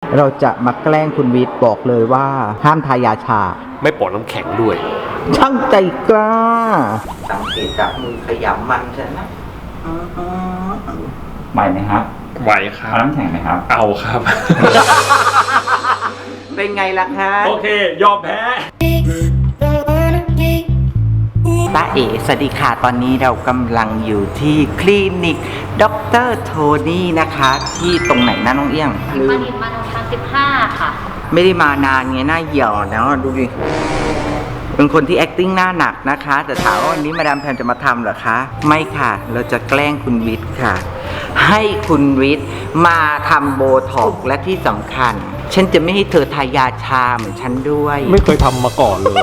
เราจะมาแกล้งคุณวิทย์บอกเลยว่าห้ามทายาชาไม่ปนน้ำแข็งด้วยช่างใจกล้าสังเกตจากมือขยำมันใช่ไหมไหวไหมครับไหวครับเอาน้ำแข็งไหมครับเอาครับเป็นไงล่ะคะโอเคยอมแพ้ตาเอ๋สวัสดีค่ะตอนนี้เรากำลังอยู่ที่คลินิกดร.โทนี่นะคะที่ตรงไหนนะน้องเอี้ยงมาดินมาทาง15ค่ะไม่ได้มานานไงหน้าเหี่ยวนะดูดิเป็นคนที่ acting หน้าหนักนะคะแต่ถามว่าวันนี้มาดามแพมจะมาทำเหรอคะไม่ค่ะเราจะแกล้งคุณวิทย์ค่ะให้คุณวิทย์มาทำโบท็อกซ์และที่สำคัญฉันจะไม่ให้เธอทายาชาเหมือนฉันด้วยไม่เคยทำมาก่อนเลย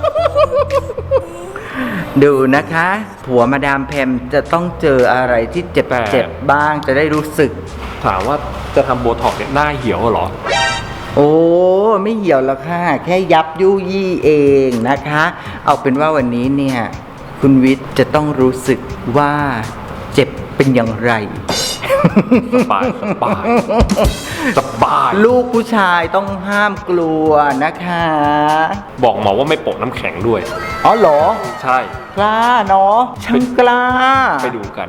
ดูนะคะผัวมาดามแพมจะต้องเจออะไรที่เจ็บบ้างจะได้รู้สึกถามว่าจะทำโบท็อกซ์เนี่ยหน้าเหี่ยวเหรอโอ้ไม่เหี่ยวหรอกค่ะแค่ยับยุยี่เองนะคะเอาเป็นว่าวันนี้เนี่ยคุณวิทย์จะต้องรู้สึกว่าเจ็บเป็นอย่างไรสบายสบายลูกผู้ชายต้องห้ามกลัวนะคะบอกหมอว่าไม่โปะน้ำแข็งด้วยอ๋อเหรอใช่กล้าเนาะช่างกล้าไปดูกัน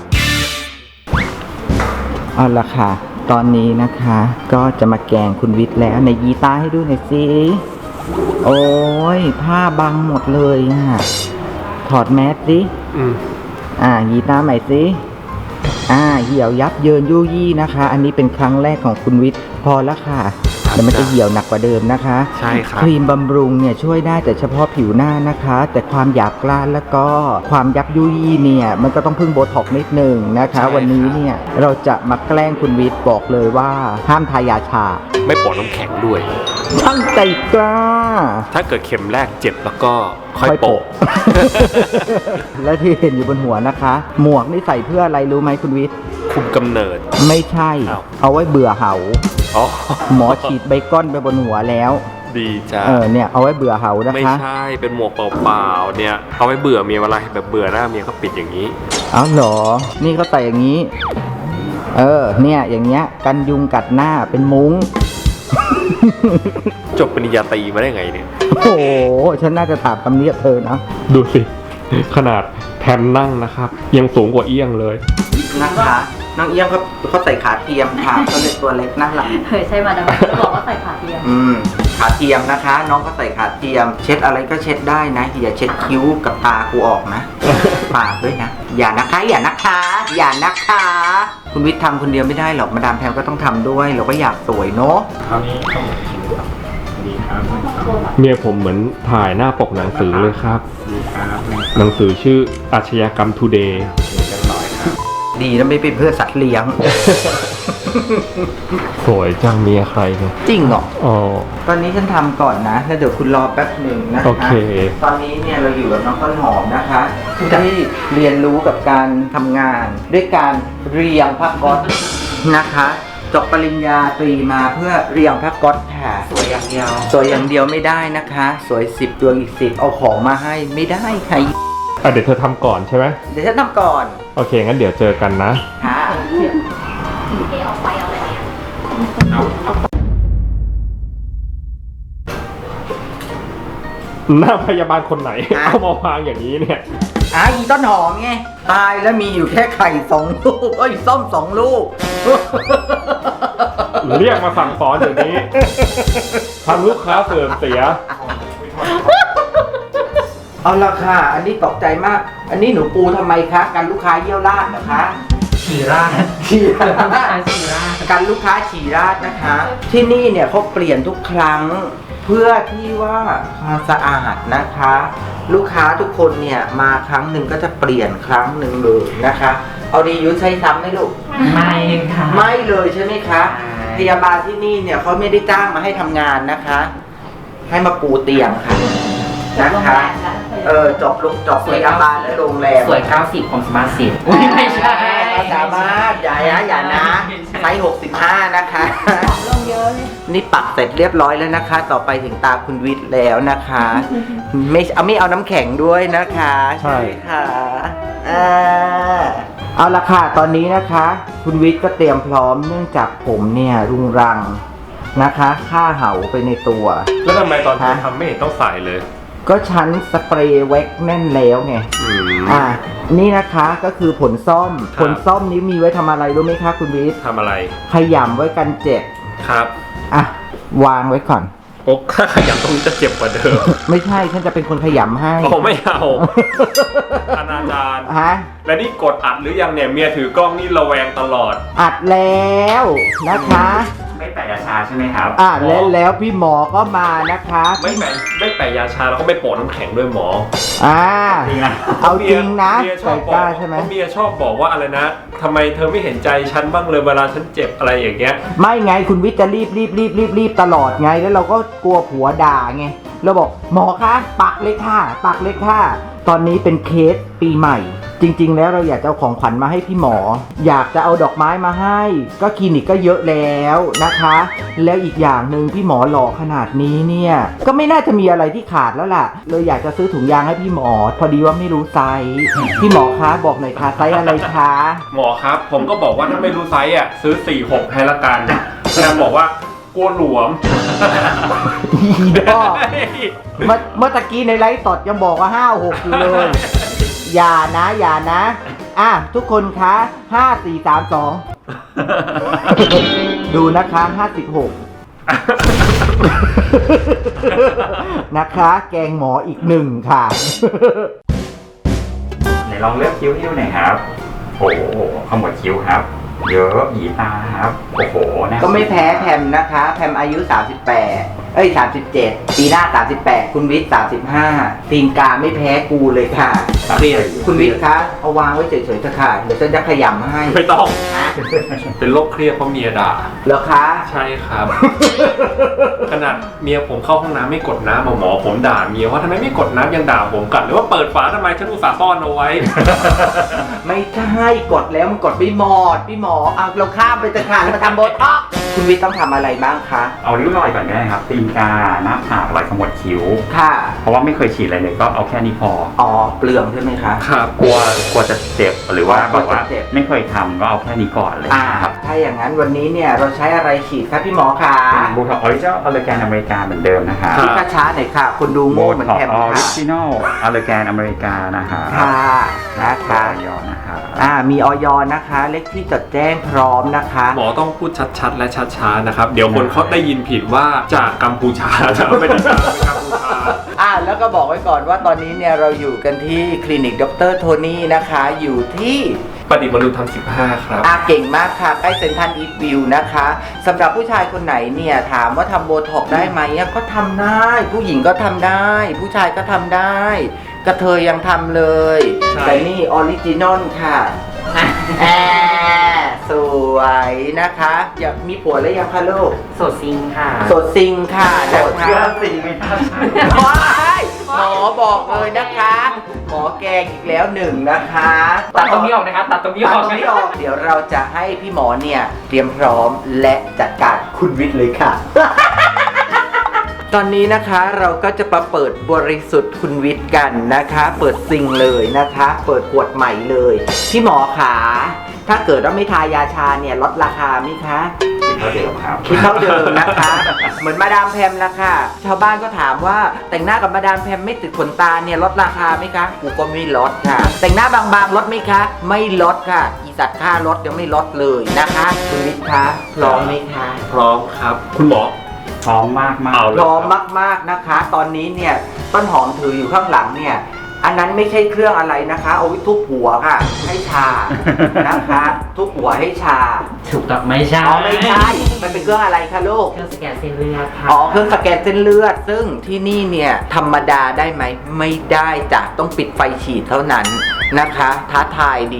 เอาละค่ะตอนนี้นะคะก็จะมาแกล้งคุณวิทย์แล้วในยีตาให้ดูหน่อยสิโอ้ยผ้าบังหมดเลยอ่ะถอดแมสสิยีตาใหม่สิเหี่ยวยับเยินยู่ยี่นะคะอันนี้เป็นครั้งแรกของคุณวิทย์พอแล้วค่ะเดี๋ยวมันจะเหี่ยวหนักกว่าเดิมนะคะใช่ครับครีมบำรุงเนี่ยช่วยได้แต่เฉพาะผิวหน้านะคะแต่ความหยาบกร้านแล้วก็ความยับยุยี่เนี่ยมันก็ต้องพึ่งโบท็อกซ์นิดนึงนะคะวันนี้เนี่ยเราจะมาแกล้งคุณวิทย์บอกเลยว่าห้ามทายาชาไม่โปะน้ำแข็งด้วยช่างใจกล้าถ้าเกิดเข็มแรกเจ็บแล้วก็ค่อยโปะและที่เห็นอยู่บนหัวนะคะหมวกนี่ใส่เพื่ออะไรรู้ไหมคุณวิทย์คุมกำเนิดไม่ใช่เอาไว้เบื่อเหาหมอฉีดใบก้อนไปบนหัวแล้วดีจ้าเนี่ยเอาไว้เบื่อเหานะคะไม่ใช่เป็นหมวกเปล่าๆเนี่ยเอาไว้เบื่อเมียเวลาแบบเบื่อหน้าเมียเขาปิดอย่างนี้เอาเหรอนี่เขาใส่อย่างนี้เนี่ยอย่างเงี้ยกันยุงกัดหน้าเป็นมุ้งจบปริญญาตรีมาได้ไงเนี่ยโอ้โหฉันน่าจะถามคำนี้กับเธอนะดูสิขนาดแพมนั่งนะครับยังสูงกว่าเอี้ยงเลยนะคะน้องเอี้ยงเขาใส่ขาเทียมค่ะเขาเลยตัวเล็กน่ารักใช่มาดามบอกว่าใส่ขาเทียมขาเทียมนะคะน้องก็ใส่ขาเทียมเช็ดอะไรก็เช็ดได้นะอย่าเช็ดคิ้วกับตากูออกนะปากด้วยนะอย่านะคะคุณวิทย์ทำคนเดียวไม่ได้หรอกมาดามแพมก็ต้องทำด้วยเราก็อยากสวยเนาะคราวนี้ต้องดีครับเมียผมเหมือนถ่ายหน้าปกหนังสือเลยครับดีครับหนังสือชื่ออาชญากรรมทูเดย์ดีแล้วไม่เป็นเพื่อสัตว์เลี้ยงสวยจังเมียใครเนี่ยจริงเหรอตอนนี้ฉันทำก่อนนะแล้วเดี๋ยวคุณรอแป๊บหนึ่งนะคะโอเคตอนนี้เนี่ยเราอยู่กับน้องต้นหอมนะคะที่เรียนรู้กับการทำงานด้วยการเรียงผ้าก๊อซนะคะจบปริญญาตรีมาเพื่อเรียงผ้าก๊อซค่ะสวยอย่างเดียวไม่ได้นะคะสวย10ดวงอีก10เอาของมาให้ไม่ได้ค่ะเดี๋ยวเธอทำก่อนใช่ไหมเดี๋ยวฉันทำก่อนโอเคงั้นเดี๋ยวเจอกันนะค่ะออกไปเอาอะไรเนี่ยหน้าพยาบาลคนไหนเอามาวางอย่างนี้เนี่ยอีต้นหอมไงตายแล้วมีอยู่แค่ไข่2 ลูกส้ม2 ลูกเรียกมาสั่งสอนอย่างนี้ทำลูกค้าเสื่อมเสียเอาละค่ะอันนี้ตกใจมากอันนี้หนูปูทำไมคะกันลูกค้าเยี่ยวราดเหรอคะฉี่ราดกันลูกค้าฉี่ราดนะคะที่นี่เนี่ยเขาเปลี่ยนทุกครั้งเพื่อที่ว่าความสะอาดนะคะลูกค้าทุกคนเนี่ยมาครั้งหนึ่งก็จะเปลี่ยนครั้งหนึ่งเลยนะคะเอาดียุ้ยใช้ซ้ำไหมลูกไม่ค่ะไม่เลยใช่ไหมคะพยาบาลที่นี่เนี่ยเขาไม่ได้จ้างมาให้ทำงานนะคะให้มาปูเตียงค่ะนะคะจบพยาบาลและโรงแรมสวย90ของสมาร์ท10 ไม่ใช่สามารถอย่านะไซส์65นะคะลงเยอะเลยนี่ปักเสร็จเรียบร้อยแล้วนะคะต่อไปถึงตาคุณวิทย์แล้วนะคะไม่เอาน้ำแข็งด้วยนะคะใช่ค่ะเอาละค่ะตอนนี้นะคะคุณวิทย์ก็เตรียมพร้อมเนื่องจากผมเนี่ยรุงรังนะคะฆ่าเห่าไปในตัวแล้วทำไมตอนฮะทำไม่เห็นต้องใส่เลยก็ชั้นสเปรย์แว็กแน่นแล้วไง นี่นะคะก็คือผลส้มครับผลส้มนี้มีไว้ทำอะไรรู้ไหมคะคุณวิทย์ทำอะไรขยำไว้กันเจ็บครับอ่ะวางไว้ก่อนโอ้ถ้าขยับตรงนี้จะเจ็บกว่าเดิมไม่ใช่ฉันจะเป็นคนขยำให้โอ้ไม่เอาอนาจารฮะและนี่กดอัดหรือยังเนี่ยเมียถือกล้องนี่ระแวงตลอดอัดแล้วนะคะไม่แปะยาชาใช่ไหมครับแล้วพี่หมอก็มานะคะไม่แปะยาชาแล้วก็ไม่โปะน้ำแข็งด้วยหมออ่าจริงนะเอาจริงนะเมียชใส่อบบอกกล้าใช่ไหมเพราะเมียชอบบอกว่าอะไรนะทำไมเธอไม่เห็นใจฉันบ้างเลยเวลาฉันเจ็บอะไรอย่างเงี้ยไม่ไงคุณวิทย์จะรีบตลอดไงแล้วเราก็กลัวผัวด่าไงเราบอกหมอคะปักเลยค่ะปักเลยค่ะตอนนี้เป็นเคสปีใหม่ จริงๆแล้วเราอยากจะเอาของขวัญมาให้พี่หมอ อยากจะเอาดอกไม้มาให้ ก็คลินิกก็เยอะแล้วนะคะ แล้วอีกอย่างหนึ่งพี่หมอหล่อขนาดนี้เนี่ยก็ไม่น่าจะมีอะไรที่ขาดแล้วล่ะเลยอยากจะซื้อถุงยางให้พี่หมอ พอดีว่าไม่รู้ไซส์พี่หมอคะบอกหน่อยค่ะไซส์อะไรคะหมอครับ ผมก็บอกว่าถ้าไม่รู้ไซส์อ่ะซื้อ 46 ให้ละกันนางบอกว่ากลัวหลวมอีดอกเมื่อตะกี้ในไลฟ์สดยังบอกว่า56อยู่เลย อย่านะอ่ะทุกคนคะ5 4 3 2 ดูนะคะ56 นะคะ แกงหมออีก1ค่ะไหนลองเลือกคิ้วให้ดูหน่อยครับ โอ้โหขมวดคิ้วครับ เยอะหยีตาครับ โอ้โหนะก็ไม่แพ้แพมนะคะแพมอายุ37ปีหน้า38คุณวิทย์35ตีนกาไม่แพ้กูเลยค่ะเรียนคุณวิทย์คะเอาวางไว้เฉยๆเถอะค่ะเดี๋ยวฉันจะขยำให้ไม่ต้องนะเป็นโรคเครียดเพราะเมียด่าแล้วคะใช่ครับ ขนาดเมียผมเข้าห้องน้ำไม่กดน้ำหมอผมด่าเมียว่าทำไมไม่กดน้ำยังด่าผมกลับหรือว่าเปิดฝาทำไมฉันอุตส่าห์ซ่อนเอาไว้ไม่ใช่กดแล้วมันกดไม่หมดพี่หมอเอาเราข้ามไปเถอะค่ะมาทำโบท็อกซ์คุณวิทย์ต้องทำอะไรบ้างคะเอาริ้วรอยก่อนก็ได้ครับตีนกาหน้าผากรอยขมวดคิ้วค่ะเพราะว่าไม่เคยฉีดอะไรเลยก็เอาแค่นี้พออ๋อเปลืองใช่ไหมคะครับกลัวจะเจ็บหรือว่าอ๋อแบบว่ากลัวจะเจ็บไม่เคยทำก็เอาแค่นี้ก่อนเลยครับถ้าอย่างนั้นวันนี้เนี่ยเราใช้อะไรฉีดครับพี่หมอคะบูท็อกออริจินอลอเลแกนอเมริกาเหมือนเดิมนะคะพี่ช้าๆหน่อยค่ะคนดูโบโง่เหมือนท็อกแคมออริค่ะจินอลอเลแกนอเมริกานะคะค่ะนะคะยอนะคะมีออยนะคะเลขที่จดแจ้งพร้อมนะคะหมอต้องพูดชัดๆและช้าๆนะครับ เดี๋ยวคนเขาได้ยินผิดว่าจากกัมพูชาจะไม่ได้จากกัมพูชาแล้วก็บอกไว้ก่อนว่าตอนนี้เนี่ยเราอยู่กันที่คลินิกดรโทนี่นะคะอยู่ที่ประดิษฐ์มนุษย์ธรรม15 ครับเก่งมากค่ะใกล้เซ็นทรัลอีสต์วิวนะคะสำหรับผู้ชายคนไหนเนี่ยถามว่าทำโบท็อกซ์ได้ไหมก็ทำได้ ผู้หญิงก็ทำได้ ผู้ชายก็ทำได้ กระเทยยังทำเลยใช่แต่นี่ออริจินอลค่ะสวยนะคะอยากมีผัวแล้วยังคะลูกโสดซิงค่ะโสดซิงค่ะนะคะซิงไม่ทันหมอบอกเลยนะคะ หมอแกงอีกแล้ว1นะคะตัดตรงนี้ออกนะครับ ตัดตรงนี้ออกเดี๋ยวเราจะให้พี่หมอเนี่ยเตรียมพร้อมและจัดการคุณวิทย์เลยค่ะ ตอนนี้นะคะเราก็จะมาเปิดบริสุทธิ์คุณวิทย์กันนะคะ เปิดซิงเลยนะคะ เปิดขวดใหม่เลยพี่หมอขาถ้าเกิดว่าไม่ทายาชาเนี่ยลดราคาไหมคะเท่าเดิมครับคิดเท่าเดิมนะคะ เหมือนมาดามแพมละค่ะชาวบ้านก็ถามว่าแต่งหน้ากับมาดามแพมไม่ติดขนตาเนี่ยลดราคาไหมคะกูก็ไม่ลดค่ะ แต่งหน้าบางๆลดไหมคะ ไม่ลดค่ะ อีสัตว์ค่ารถยังไม่ลดเลยนะคะคุณวิทย์คะพร้อมไหมคะพร้อมครับ คุณหมอพร้อมมากมากเอาพร้อมมากๆนะคะ ตอนนี้เนี่ยต้นหอมถืออยู่ข้างหลังเนี่ยอันนั้นไม่ใช่เครื่องอะไรนะคะ เอาไว้ทุบหัวค่ะ ให้ชานะคะ ทุบหัวให้ชาถูกต้องไม่ใช่อ๋อไม่ใช่มันเป็นเครื่องอะไรคะลูกเครื่องสแกนเส้นเลือดค่ะอ๋อเครื่องสแกนเส้นเลือด ซึ่งที่นี่เนี่ยธรรมดาได้ไหมไม่ได้จ้ะต้องปิดไฟฉีดเท่านั้นนะคะ ท้าทายดี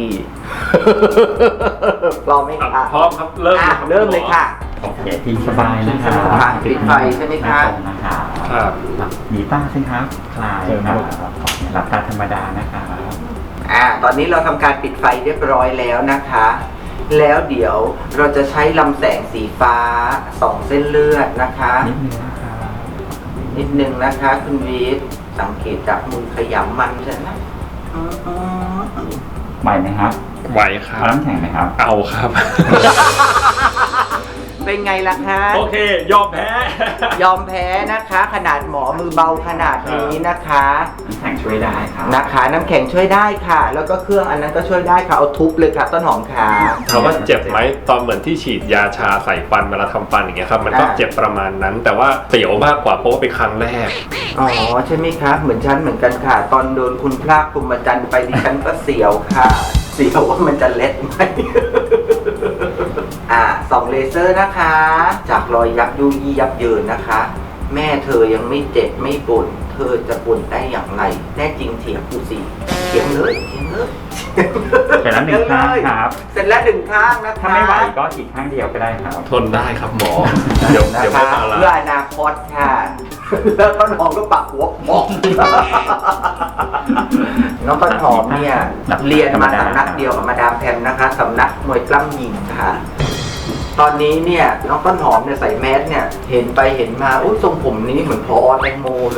พร้อมไหมคะพร้อมครับ เริ่มเริ่มเลยค่ะโอเคทีสบายนะคะค่ะปิดไฟใช่ไหมคะตรงนะคะครับหนีตาสิครับคลายครับหลับตาธรรมดานะคะตอนนี้เราทำการปิดไฟเรียบร้อยแล้วนะคะ แล้วเดี๋ยวเราจะใช้ลำแสงสีฟ้าส่องเส้นเลือดนะคะนิดนึงนะคะนิดนึงนะคะคุณวิทย์สังเกตจากมือขยำมันใช่ไหมไหวไหมครับไหวครับเอาน้ำแข็งไหมครับเอาครับเป็นไงล่ะคะโอเค ยอมแพ้ยอมแพ้นะคะ ขนาดหมอมือเบาขนาดนี้นะคะน้ำแข็งช่วยได้ครับนะคะ น้ำแข็งช่วยได้ค่ะ แล้วก็เครื่องอันนั้นก็ช่วยได้ค่ะ เอาทุบเลยค่ะต้นหอมขาถามว่าเจ็บไหมตอนเหมือนที่ฉีดยาชาใส่ฟันเวลาทำฟันอย่างเงี้ยครับมันก็เจ็บประมาณนั้น แต่ว่าเสียวมากกว่าเพราะว่าเป็นครั้งแรกอ๋อใช่ไหมคะเหมือนฉันเหมือนกันค่ะ ตอนโดนคุณพระพรหมจันทรย์ไปดิฉันก็เสียวค่ะ เสียวว่ามันจะเล็ดไหม ส่องเลเซอร์นะคะ จากรอยยับยุยี่ยับเยินนะคะ แม่เธอยังไม่เจ็บไม่ปวดเธอจะปวดได้อย่างไรแน่จริงเถียงกูสิเถียงเลยเถียงเลยเสร็จแล้วหนึ่งข้างครับเสร็จแล้วหนึ่งข้างนะคะถ้าไม่ไหวก็ฉีดข้างเดียวก็ได้ครับทนได้ครับหมอ เดี๋ยวนะไม่คะพาละเพื่ออนาคตค่ะ แล้วต้นหอมก็ปักหัวบอก น้องต้นหอมเนี่ยเรียนมาสำนักเดียวกับมาดามแพมนะคะสำนักมวยปล้ำหญิงค่ะ ตอนนี้เนี่ยน้องต้นหอมเนี่ยใส่แมสเนี่ยเห็นไปเห็นมาอุ้ยทรงผมนี้เหมือนพอแตงโมเลย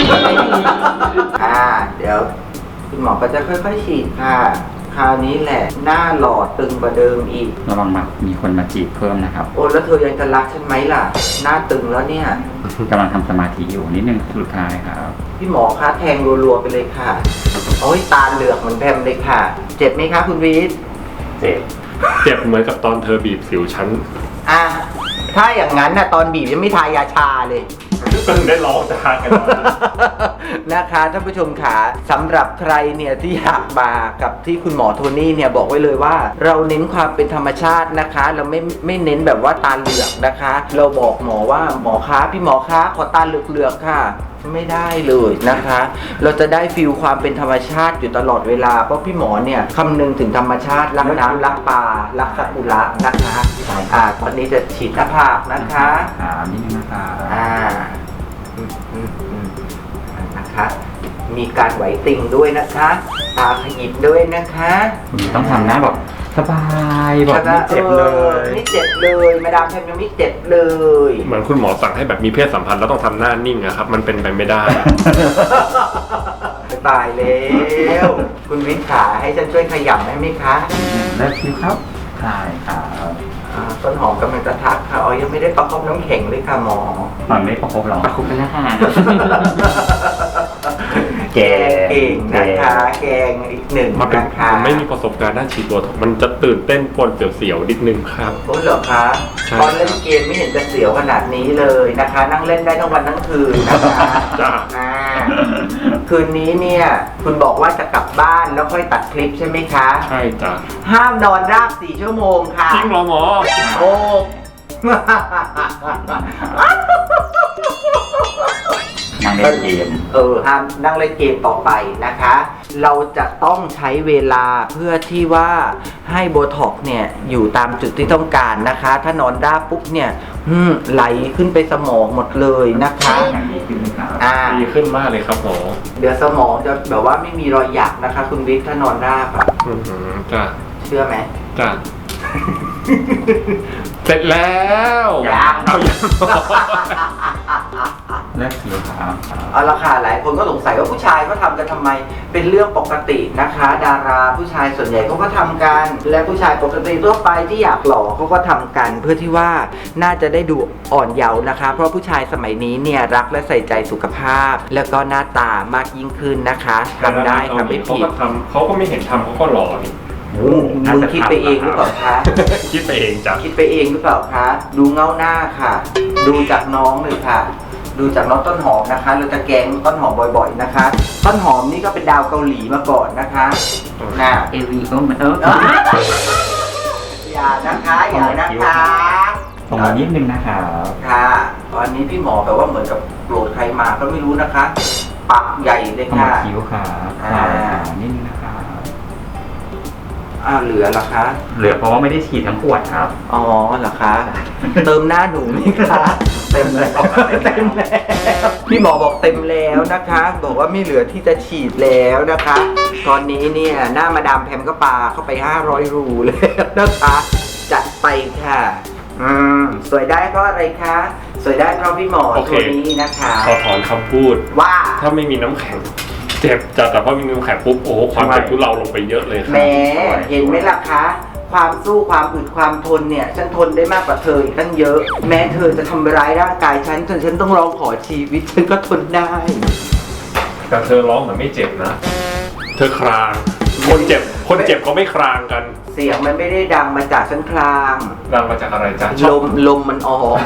เดี๋ยวคุณหมอก็จะค่อยๆฉีดค่ะ คราวนี้แหละหน้าหลอดตึงกว่าเดิมอีกระวังมีคนมาจีบเพิ่มนะครับโอ้แล้วเธอยังจะรักฉันไหมล่ะ หน้าตึงแล้วเนี่ยกำลังทำสมาธิอยู่นิดนึงสุดท้ายครับพี่หมอคะแทงรัวๆไปเลยค่ะโอ้ยตาเหลือกเหมือนแพมเลยค่ะ เจ็บไหมคะคุณวีทเจ็บเจ็บเหมือนกับตอนเธอบีบสิวฉันอ่ะถ้าอย่างนั้นนะตอนบีบยังไม่ทายาชาเลยได้ร้องจะหากันนะคะท่านผู้ชมขาสำหรับใครเนี่ยที่อยากมากับที่คุณหมอโทนี่เนี่ยบอกไว้เลยว่า เราเน้นความเป็นธรรมชาตินะคะ เราไม่เน้นแบบว่าตาเหลือกนะคะ เราบอกหมอว่าหมอคะพี่หมอคะขอตาเหลือกๆค่ะ ไม่ได้เลยนะคะ เราจะได้ฟีลความเป็นธรรมชาติอยู่ตลอดเวลาเพราะพี่หมอเนี่ยคำนึงถึงธรรมชาติรักน้ำรักปลารักซากุระนะคะตอนนี้จะฉีดหน้าผากนะคะนิดนึงนะครับนะคะ มีการไหวติงด้วยนะคะ ตาขยิบด้วยนะคะต้องทำหน้าแบบสบายแบบไม่เจ็บเลยไม่เจ็บเลยมาดามแพมยังไม่เจ็บเลยเหมือนคุณหมอสั่งให้แบบมีเพศสัมพันธ์แล้วต้องทำหน้านิ่งอะครับ มันเป็นไปไม่ได้ตายแล้ว คุณวิทย์ขาให้ฉันช่วยขยำได้ไหมคะแล้วคิวครับใช่ครับต้นหอมกำลังจะทักค่ะอ๋อยังไม่ได้ประคบน้ำแข็งเลยค่ะหมอมันไม่ประคบหรอกประคบไปแล้วค่ะแกงเก่งนะคะ แกงอีกหนึ่งมาเป็นนะคะผมไม่มีประสบการณ์ด้านฉีดตัวถกมันจะตื่นเต้นปนเสียวๆนิดนึงครับโอ้เหรอคะใช่ตอนเล่นเกมไม่เห็นจะเสียวขนาดนี้เลยนะคะ นั่งเล่นได้ทั้งวันทั้งคืนนะคะจ้าคืนนี้เนี่ยคุณบอกว่าจะกลับบ้านแล้วค่อยตัดคลิปใช่ไหมคะใช่จ้ะห้ามนอนราบ4 ชั่วโมงค่ะจริงเหรอหมอโอ้นั่งเล่นเกมห้ามนั่งเล่นเกมต่อไปนะคะ เราจะต้องใช้เวลาเพื่อที่ว่าให้โบท็อกซ์เนี่ยอยู่ตามจุดที่ต้องการนะคะ ถ้านอนราบปุ๊บเนี่ยไหลขึ้นไปสมองหมดเลยนะคะอย่างนี้ขึ้นไหมครับดีขึ้นมากเลยครับหมอเดี๋ยวสมองจะแบบว่าไม่มีรอยหยักนะคะ คุณวิทย์ถ้านอนราบอะจ้ะเชื่อไหมจ้ะ เสร็จแล้วยังเอายังเลิกคิวครับเอาละค่ะหลายคนก็สงสัยว่าผู้ชายเขาทำกันทำไมเป็นเรื่องปกตินะคะ ดาราผู้ชายส่วนใหญ่เขาก็ทำกัน และผู้ชายปกติทั่วไปที่อยากหล่อเขาก็ทำกัน เพื่อที่ว่าน่าจะได้ดูอ่อนเยาว์นะคะ เพราะผู้ชายสมัยนี้เนี่ยรักและใส่ใจสุขภาพ แล้วก็หน้าตามากยิ่งขึ้นนะคะทำได้ค่ะไม่ผิดเขาก็ไม่เห็นทำเขาก็หล่อนี่มึงคิดไปเองหรือเปล่าคะคิดไปเองจ้ะคิดไปเองหรือเปล่าคะ ดูเงาหน้าค่ะ ดูจากน้องเลยค่ะ ดูจากน้องต้นหอมนะคะ เราจะแกงต้นหอมบ่อยๆนะคะ ต้นหอมนี่ก็เป็นดาวเกาหลีมาก่อนนะคะน่ะเอวีก็มันอย่านะคะ อย่านะคะส่งมานิดนึงนะครับค่ะ ตอนนี้พี่หมอแบบว่าเหมือนกับโกรธใครมาก็ไม่รู้นะคะ ปักใหญ่เลยส่งค่ะมาคิ้วครับใช่ค่ะนิดนึงนะครับเหลือเหรอคะเหลือเพราะว่าไม่ได้ฉีดทั้งขวดครับอ๋อเหรอคะ เติมหน้าหนูไหมคะเต็มแล้วเต็มแล้วพี่หมอบอกเต็มแล้วนะคะ บอกว่าไม่เหลือที่จะฉีดแล้วนะคะ ตอนนี้เนี่ยหน้ามาดามแพมก็ปาเข้าไป500 รูแล้วนะคะจัดไปค่ะสวยได้เพราะอะไรคะสวยได้เพราะพี่หมอตัวนี้นะคะขอถอนคำพูดว่าถ้าไม่มีน้ำแข็งเจ็บจ้ะแต่พอมีน้ำแข็งปุ๊บโอ้โหความเจ็บทุเราลงไปเยอะเลยคแหมรับเห็นไหมล่ะคะความสู้ความอึดความทนเนี่ยฉันทนได้มากกว่าเธออีกตั้งเยอะ แม้เธอจะทำร้ายร่างกายฉันจนฉันต้องร้องขอชีวิตฉันก็ทนได้แต่เธอร้องเหมือนไม่เจ็บนะ เธอคราง คนเจ็บเขาไม่ครางกันเสียงมันไม่ได้ดังมาจากฉันคลางดังมาจากอะไรจ๊ะลมมันออก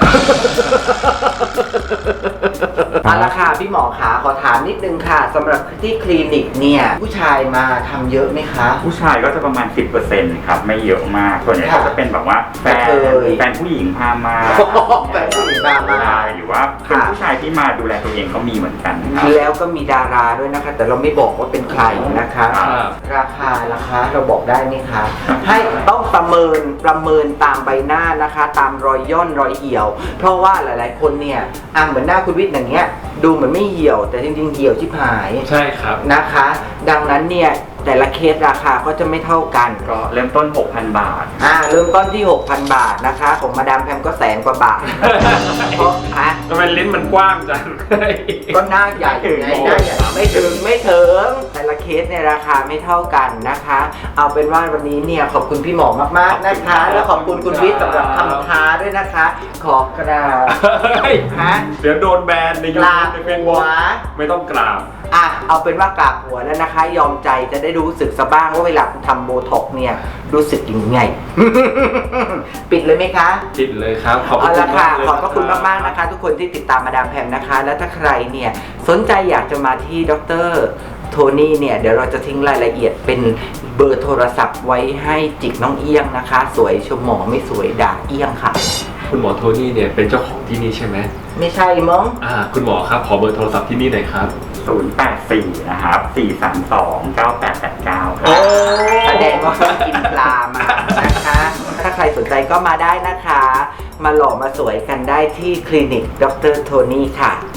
เอาละค่ะพี่หมอขาขอถามนิดนึงค่ะสำหรับที่คลินิกเนี่ยผู้ชายมาทำเยอะไหมคะผู้ชายก็จะประมาณ 10%ครับไม่เยอะมากส่วนใหญ่ก็จะเป็นแบบว่าแฟนผู้หญิงพามาแฟนผู้หญิงพามาหรือว่าเป็นผู้ชายที่มาดูแลตัวเองก็มีเหมือนกันครับแล้วก็มีดาราด้วยนะคะ แต่เราไม่บอกว่าเป็นใครนะคะครับราคาเราบอกได้ไหมคะ ให้ต้องประเมินตามใบหน้านะคะ ตามรอยย่นรอยเหี่ยว เพราะว่าหลายๆคนเนี่ยเหมือนหน้าคุณวิทย์อย่างเงี้ยดูเหมือนไม่เหี่ยว แต่จริงๆเหี่ยวชิบหายใช่ครับนะคะ ดังนั้นเนี่ยแต่ละเคสราคาก็จะไม่เท่ากันก็เริ่มต้น 6,000 บาทเริ่มต้นที่ 6,000 บาทนะคะ ของมาดามแพมก็100,000 กว่าบาทเพราะทำไมลิ้นมันกว้างจังก็หน้าใหญ่ไงหน้าใหญ่ไม่ถึงแต่ละเคสในยราคาไม่เท่ากันนะคะ เอาเป็นว่าวันนี้เนี่ยขอบคุณพี่หมอมากๆนะคะ แล้วขอบคุณคุณวิทย์สำหรับคำท้าด้วยนะคะ ขอกราบ ฮะเดี๋ยวโดนแบนในยูกราทูบบในเฟซหับุ๊วกไม่ต้องกราบเอาเป็นว่ากราบหัวแล้วนะคะ ยอมใจจะได้รู้สึกซะบ้างว่าเวลาคุณทำโบท็อกซ์เนี่ยรู้สึกยังไง ปิดเลยไหมคะจิตเลยครับ ขอบคุเอาณละมาค่ะกเลยขอบพระคุณมากๆนะคะ ทุกคนที่ติดตามมาดามแพมนะคะ แล้วถ้าใครเนี่ยสนใจอยากจะมาที่ดร.โทนี่เนี่ยเดี๋ยวเราจะทิ้งรายละเอียดเป็นเบอร์โทรศัพท์ไว้ให้จิกน้องเอี้ยงนะคะ สวยชมหมอไม่สวยด่าเอี้ยงค่ะคุณหมอโทนี่เนี่ยเป็นเจ้าของที่นี่ใช่ไหมไม่ใช่มั้งคุณหมอครับขอเบอร์โทรศัพท์ที่นี่หน่อยครับ 084 นะครับ 432 9889 ครัโอ้บแสดงว่าเขากินปลามานะคะ ถ้าใครสนใจก็มาได้นะคะ มาหล่อมาสวยกันได้ที่คลินิกดร.โทนี่ค่ะ